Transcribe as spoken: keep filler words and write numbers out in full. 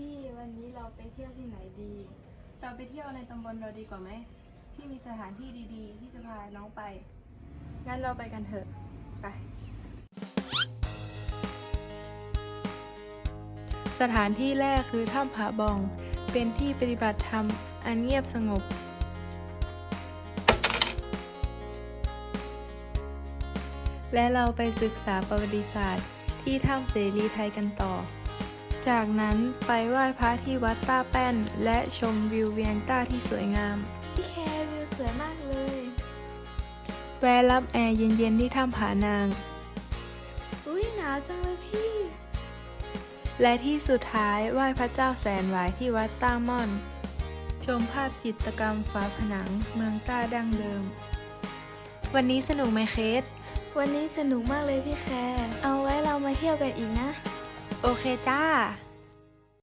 พี่วันนี้เราไปเที่ยวที่ไหนดีเราไปเที่ยวในตำบลเราดีกว่าไหมที่มีสถานที่ดีๆ ที่จะพาน้องไปงั้นเราไปกันเถอะไปสถานที่แรกคือถ้ำผาบองเป็นที่ปฏิบัติธรรมอันเงียบสงบและเราไปศึกษาประวัติศาสตร์ที่ถ้ำเสรีไทยกันต่อจากนั้นไปไหว้พระที่วัดต้าแป้นและชมวิวเวียงต้าที่สวยงามพี่แคร์วิวสวยมากเลยแวะรับแอร์เย็นๆที่ถ้ำผานางอุ้ยหนาวจังเลยพี่และที่สุดท้ายไหว้พระเจ้าแสนหวายที่วัดต้าม่อนชมภาพจิตรกรรมฝาผนังเมืองต้าดั้งเดิมวันนี้สนุกไหมเคสวันนี้สนุกมากเลยพี่แคร์เอาไว้เรามาเที่ยวกันอีกนะโอเคจ้า